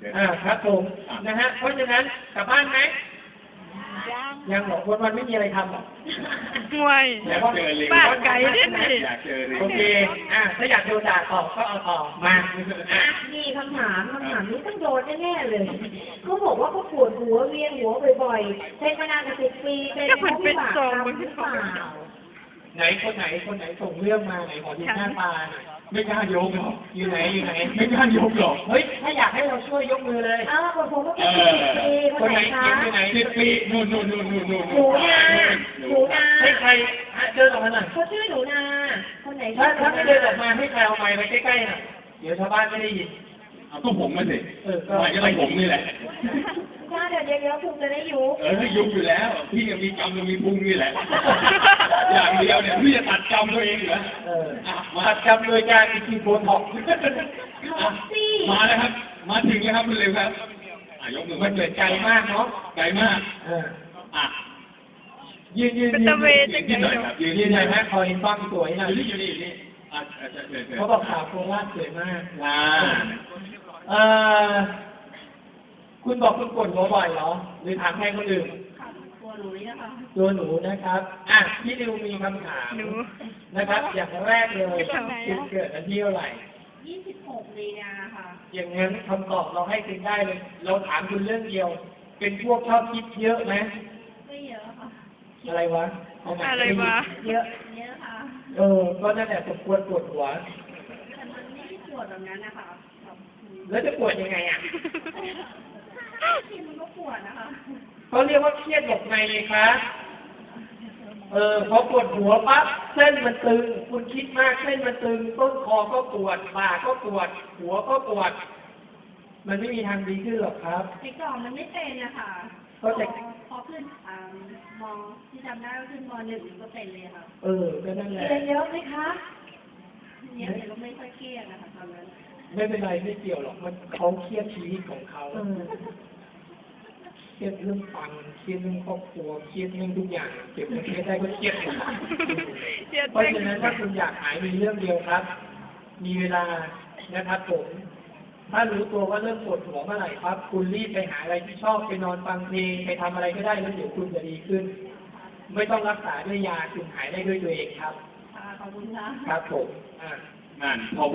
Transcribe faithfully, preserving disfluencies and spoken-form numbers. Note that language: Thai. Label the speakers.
Speaker 1: อ่าครับผมนะฮะเพราะฉะนั้นกลับบ้านไหมยังหรอกวันวันไม่มีอะไรทำหรอก
Speaker 2: ห่วยปากไก่เนี่ยนี่
Speaker 1: โอเคอ่ะถ้าอยากโดนด่าต่อก็เอาต่อมา
Speaker 3: อ่ะมีคำถามคำถามนี้ต้องโดนแน่ๆเลยเขาบอกว่าเขาปวดหัวเวียนหัวบ่อยๆเป็นมานานกว่าสิบปีเป็นเพราะวิบากกรรมหรือเปล่า
Speaker 1: ไหนคนไหนคนไหนส่งเรื่องมาไหนขอดูหน้าตาหน่อยไม่กล้ายกหรอกอยู่ไหนอยู่ไหนไม่กล้ายกหรอกเฮ้ยถ้าอยากให้เราช่วยยกมือเลย
Speaker 3: อ้าวปวดหัวก็เป็นสิบปีค
Speaker 1: คน
Speaker 3: น
Speaker 1: ไห
Speaker 3: ไห
Speaker 1: น
Speaker 3: นคะ
Speaker 1: เขียนอยู่ไหนสิบปีนู่นนู่นนู่นนู่นนู่น
Speaker 3: หนูนาหนูนา
Speaker 1: ให้ใครเดินออกมาหน่อย
Speaker 3: เขาชื่อหนูนาคนไหน
Speaker 1: ถ้า
Speaker 3: ชื่อ
Speaker 1: ถ้าไม่เดินออกมาให้ใครเอาไมค์ไปใกล้ๆหน่อยเดี๋ยวชาวบ้านไม่ได้ยิน
Speaker 4: เอาก็ผมมาสิ
Speaker 1: เออก็
Speaker 4: มาก็ต้องผมนี่แหละ
Speaker 3: ถ้าเดี๋ยวเดี๋ยวคุณจะได้ยุบ
Speaker 4: เออถ้ายุบอยู่แล้ว พี่ยังมีกรรมยังมีพุงนี่แหละ อย่างเดียวเนี่ยพี่จะตัดกรรมตัวเองเหรอ
Speaker 1: เออ
Speaker 4: อ่ะมา
Speaker 1: ตัดจำโดยการกินโบท็อกซ์
Speaker 3: ท็อปซี่
Speaker 4: มาแล้วครับ มาถึงแล้วครับคุณเร็วครับอ่ะยกมือ
Speaker 1: มันเหมือนใจมากเนาะ
Speaker 4: ไกลมาก
Speaker 1: เออ
Speaker 4: อ่ะ
Speaker 1: ยืนยืน
Speaker 2: เป็น
Speaker 1: ยื
Speaker 2: ตะ
Speaker 1: น
Speaker 2: เว
Speaker 1: ยื
Speaker 2: น
Speaker 1: น
Speaker 2: จัง
Speaker 4: ยืนหน่อย
Speaker 2: ไง
Speaker 4: ครับยืน
Speaker 1: ยื
Speaker 4: ยื
Speaker 1: น
Speaker 4: น
Speaker 1: ห
Speaker 4: ห
Speaker 1: น่
Speaker 4: น่
Speaker 1: อ
Speaker 4: อย ย
Speaker 1: ไหมคอยฟังสวยหน่อย
Speaker 4: อยู่นี่อยู่นี่อยู่นี่อ่ะเชิญเชิญเชิญ
Speaker 1: เขาบอกขาวโคราชสวยมาก
Speaker 4: อ่า
Speaker 1: เอ่อคุณบอกคุณปวดหัวบ่อยเหรอ หรือถามใครคนอื่น
Speaker 3: ตัวหนูนี่นะคะ
Speaker 1: ตัวหนูนะครับ อ่ะพี่ดิวมีคำถาม
Speaker 2: หนู
Speaker 1: นะครับ อย่างแรกเลย
Speaker 2: ทำไมอะ
Speaker 1: คุณเกิดวันที่เท่าไหร่
Speaker 3: ยี่สิบหกมีนาค่ะ
Speaker 1: อย่างนั้นคำตอบเราให้คุณได้เลย เราถามคุณเรื่องเดียว เป็นพวกชอบคิดเยอะไหม
Speaker 3: ไม่เยอะค่ะ
Speaker 1: อะไรวะเาใหม่
Speaker 2: อะไรวะ
Speaker 3: เยอะเยอะค่ะ
Speaker 1: เออ ก็นั่นแหละสมควรปวดหัว
Speaker 3: แต่มันไม่ได้ปวดแบบนั้นนะคะแบบ
Speaker 1: แล้วจะปวดยังไงอ่ะ
Speaker 3: ที่มันก็ปวดนะคะ
Speaker 1: เขาเรียกว่าเครียดหลบในเลยครับ เออพอปวดหัวปั๊บเส้นมันตึง คุณคิดมากเส้นมันตึง ต้นคอก็ปวดบ่าก็ปวด หัวก็ปวด มันไม่มีทางดีขึ้นหรอกครับ
Speaker 3: ติดต่อมันไม่เป็นนะคะพ
Speaker 1: ก็
Speaker 3: อ
Speaker 1: จะ
Speaker 3: พอขึ้นอ่ามอที่จำได้ก็ขึ้นมหนึ่งก็เป็นเลยค่ะ
Speaker 1: เออก็นั่นแหละ
Speaker 3: เรียนเยอะไหมคะเรียนแต่ก็ไม่ค่อยเครียดนะคะตอนนั้น
Speaker 1: ไม่เป็นไรไม่เกี่ยวหรอกมันเขาเครียดชีวิตของเขาเครียดเรื่องฟังเครียดเรื่องครอบครัวเครียดเรื่องทุกอย่างเก็บเงินเครียดได้ก็เครียดหมด
Speaker 2: เจ็ด
Speaker 1: เพราะฉะนั้นถ้าคุณอยากหายมีเรื่องเดียวครับ มีเวลานะครับผม ถ้ารู้ตัวว่าเริ่มปวดหัวเมื่อไหร่ครับ คุณรีบไปหาอะไรที่ชอบไปนอนฟังเพลงไปทำอะไรก็ได้แล้วเดี๋ยวคุณจะดีขึ้น ไม่ต้องรักษาด้วยยาคุณหายได้ด้วยตัวเองครับ
Speaker 3: ค่ะขอบคุณค่ะ
Speaker 1: ครับผมอ่า
Speaker 4: นั่นพอ